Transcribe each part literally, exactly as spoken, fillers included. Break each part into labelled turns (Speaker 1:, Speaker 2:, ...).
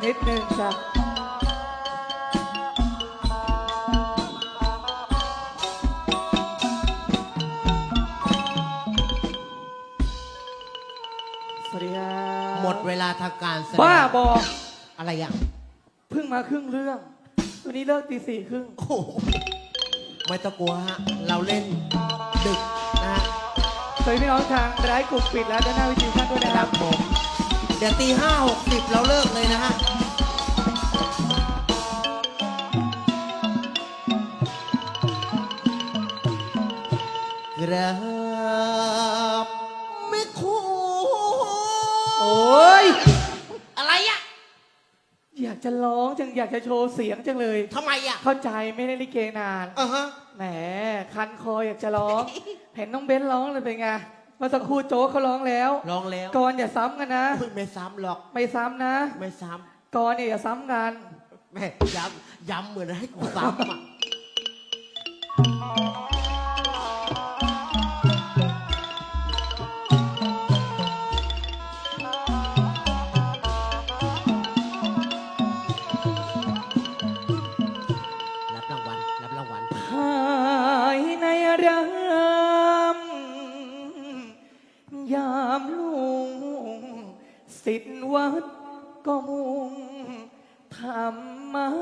Speaker 1: นิดนึงจ้ะสวัสดีครับ
Speaker 2: หมดเวลาทางการแสดง
Speaker 1: บ้าบอ
Speaker 2: อะไรอย่าง
Speaker 1: เพิ่งมาครึ่งเรื่องวันนี้เลิกตีสี่ครึ่ง
Speaker 2: โอ้โหไม่ต้องกลัวฮะเราเล่นดึกนะฮะ
Speaker 1: สวัสดีพี่น้องทางไลฟ์กลุ่มปิดแล้วด้านหน้าวิทยุท่านด้วยนะครับ
Speaker 2: ผมเดี๋ยวตีห้าหกสิบเราเลิกเลยนะฮะกราบไม่คู่
Speaker 1: โอ้ย
Speaker 2: อะไรอะ
Speaker 1: อยากจะร้องจังอยากจะโชว์เสียงจังเลย
Speaker 2: ทำไมอะ
Speaker 1: เข้าใจไม่ได้ลิเกนาน
Speaker 2: อ่าฮะ
Speaker 1: แหมคันคออยากจะร้อง เห็นน้องเบ้นร้องเลยเป็นไงเมื่อสักครู่โจ๊กเขาร้องแล้ว
Speaker 2: ร้องแล้ว
Speaker 1: ก่อนอย่าซ้ำกันนะ
Speaker 2: ไม่ซ้ำหรอก
Speaker 1: ไม่ซ้ำนะ
Speaker 2: ไม่ซ้
Speaker 1: ำก่อนเนี่ยอย่าซ้ำกัน
Speaker 2: แม่ย้ำย้ำเหมือนให้กูซ้ำอ่ะรับรางวัลรับรางวัล
Speaker 1: ภายในเรือนยามลุงสิทธิวัดก็มุ่งธรรมะ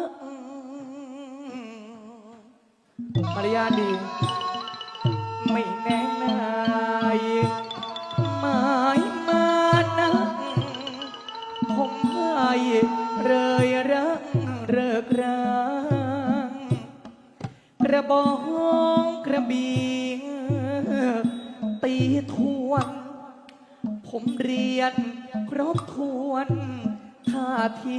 Speaker 1: มารยาทดีไม่แน่นายหมายมานักผมให้เลยรักเริกรางกระบองกระบี่ตีทวนผมเรียนครบทวนท่าที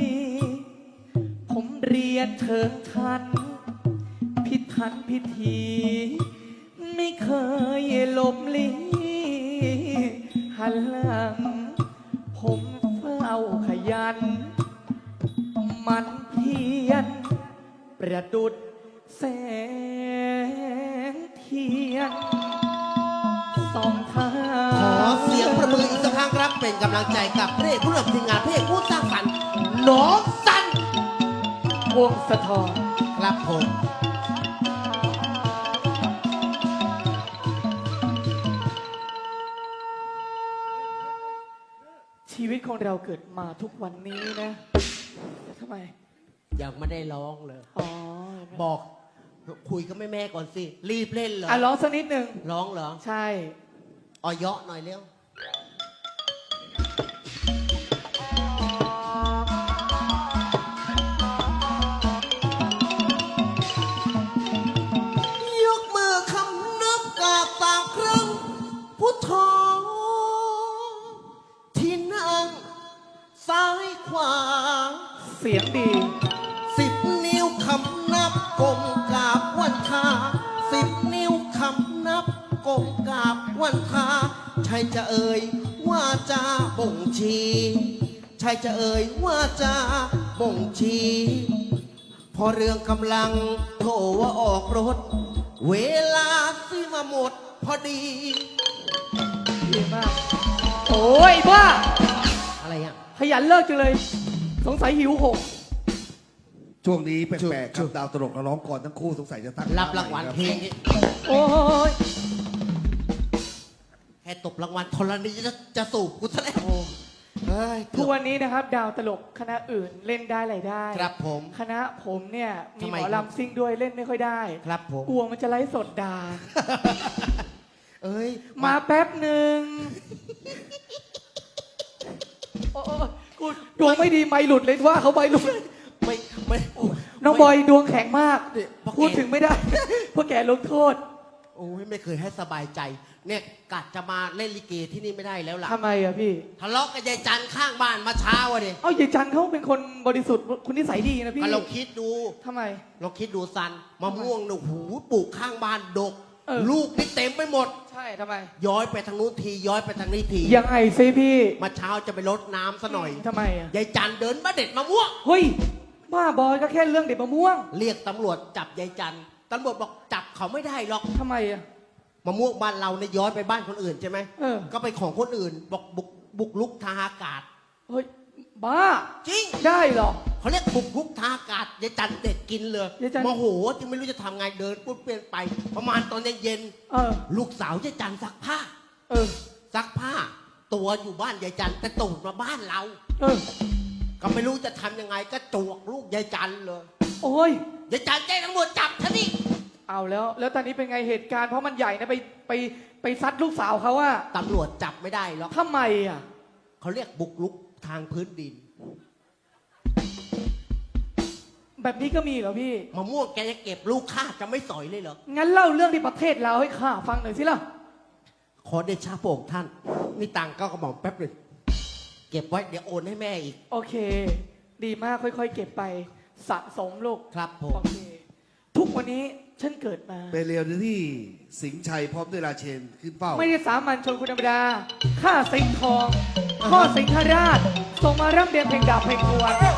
Speaker 1: ผมเรียนเชิงชันพิถันพิธีไม่เคยหลบลี้หันหลังผมเฝ้าขยันมันเพียรประดุจแสงเทียนสองทาง
Speaker 2: ขอเสียงประมืออีกสักครั้งครับเป็นกำลังใจกับพระเอกผู้นำทีมงานพระเอกผู้สร้างสรรค์น้องสัน
Speaker 1: วงสะทอน
Speaker 2: ครับผม
Speaker 1: ชีวิตของเราเกิดมาทุกวันนี้นะทำไม
Speaker 2: ยังไม่ได้ร้องเลย
Speaker 1: อ๋อ
Speaker 2: บอกคุยกับแม่แม่ก่อนสิรีบเล่นเหรอ
Speaker 1: อ่ะร้องสักนิดหนึ่ง
Speaker 2: ร้องเหรอ
Speaker 1: ใช่
Speaker 2: อ่อยเยาะหน่อยเร็วยกมือคำนับกาบตามครั้งพุทโธที่นั่งซ้ายขวา
Speaker 1: เสียงดี
Speaker 2: สิบนิ้วคำนับกลมกราบวันทาสิบนิ้วคำนับกลมกราบวันทาใช่จะเอ่ยว่าจะบ่งชี้ใช่จะเอ่ยว่าจะบ่งชี้พอเรื่องกำลังโทรว่าออกรถเวลาซื้อมาหมดพอดี
Speaker 1: ดีมากโอ้ยบ้า
Speaker 2: อะไรอ่ะ
Speaker 1: ขยันเลิกจังเลยสงสัยหิวโหง
Speaker 3: ช่วงนี้แปลกๆครับดาวตลกร้องก่อนทั้งคู่สงสัยจะตั้ง
Speaker 2: รับรางวัลเพลง
Speaker 1: โอ้ย
Speaker 2: แค่ตบรางวัลธรณีจะจะสูบกูซะแล้ว
Speaker 1: ทุกวันนี้นะครับดาวตลกคณะอื่นเล่นได้อะไรได้
Speaker 2: ครับผม
Speaker 1: คณะผมเนี่ยมีหมอลำซิ่งด้วยเล่นไม่ค่อยได้
Speaker 2: ครับผม
Speaker 1: กลัวมันจะไลฟ์สดด่า
Speaker 2: เอ้ย
Speaker 1: มาแป๊บหนึ่งโอ้กูดวงไม่ดีไม่หลุดเลยว่าเขาไม่หลุด
Speaker 2: ไม่ไม่
Speaker 1: น้องบอยดวงแข็งมากพูดถึงไม่ได้เพราะแกลงโทษ
Speaker 2: โอ้ยไม่เคยให้สบายใจเนี่ยกัดจะมาเล่นลิเกที่นี่ไม่ได้แล้วล่ะ
Speaker 1: ทำไมอะพี่
Speaker 2: ทะเลาะกับยายจันข้างบ้านมาเช้าอะดิ
Speaker 1: เอ้ายายจันเขาเป็นคนบริสุทธิ์คุณนิสัยดีนะพี่
Speaker 2: เราคิดดู
Speaker 1: ทำไม
Speaker 2: เราคิดดูซันมะม่วงหนูหูปลูกข้างบ้านดกลูกนี่เต็มไปหมด
Speaker 1: ใช่ทำไม
Speaker 2: ย้อยไปทางนู้นทีย้อยไปทางนี้ที
Speaker 1: ยังไงซิพี่
Speaker 2: มาเช้าจะไปรดน้ำซะหน่อย
Speaker 1: ทำไมอะ
Speaker 2: ยายจันเดินมาเด็ดมะม่วง
Speaker 1: เฮ้ยบ้าบอยก็แค่เรื่องเด็ดมะม่วง
Speaker 2: เรียกตำรวจจับยายจันตำรวจบอกจับเขาไม่ได้หรอก
Speaker 1: ทำไมอะ
Speaker 2: มะม่วงบ้านเราเนี่ยย้อยไปบ้านคนอื่นใช่ไหม
Speaker 1: เออ
Speaker 2: ก็ไปของคนอื่นบอกบุกบุกลุกทางอากาศ
Speaker 1: เฮ้ยบ้า
Speaker 2: จริง
Speaker 1: ได้เหรอ
Speaker 2: เขาเรียกบุกรุกทางอากาศยายจันเด็ดกินเลย
Speaker 1: ยายจัน
Speaker 2: โมโหจึงไม่รู้จะทำไงเดินปุ๊บเปลี่ยนไป ประมาณตอนเย็น
Speaker 1: เออ
Speaker 2: ๆลูกสาวยายจันซักผ้า
Speaker 1: เออ
Speaker 2: ซักผ้า ตัวอยู่บ้านยายจันแต่ตูดมาบ้านเรา
Speaker 1: เออ
Speaker 2: ก็ไม่รู้จะทำยังไงก็จวกลูกยายจันเลย
Speaker 1: โอ้ย
Speaker 2: ยายจันแจ้งตำรวจจับฉันนี่
Speaker 1: เอาแล้ว แล้วตอนนี้เป็นไงเหตุการณ์เพราะมันใหญ่นะไปไปไปซัดลูกสาวเขาว่า
Speaker 2: ตำรวจจับไม่ได้หรอก
Speaker 1: ทำไมอ่ะ
Speaker 2: เขาเรียกบุกรุกทางพื้นดิน
Speaker 1: แบบนี้ก็มีเหรอพี่
Speaker 2: มะม่วงแกจะเก็บลูกข้าจะไม่สอยเลยเหรอ
Speaker 1: งั้นเล่าเรื่องที่ประเทศเราให้ข้าฟังหน่อยสิล่ะ
Speaker 2: ขอเดชะพระองค์ท่านนี่ตังค์ก็กระหม่อมแป๊บหนึ่งเก็บไว้เดี๋ยวโอนให้แม่อีก
Speaker 1: โอเค ดีมากค่อยๆ เก็บไปสะสมลูก
Speaker 2: ครับผ
Speaker 1: โอ
Speaker 2: ม
Speaker 1: เค ทุกวันนี้ฉันเกิดมา
Speaker 3: ไปเรียวที่สิงห์ชัยพร้อมด้วยราเชนขึ้นเป้า
Speaker 1: ไม่ได้สามัญชนคนธรรมดา ข้าสิงห์ทอง พ่อสิงหราชส่งมาร่ำเรียนเพลงดาบเพลงทวน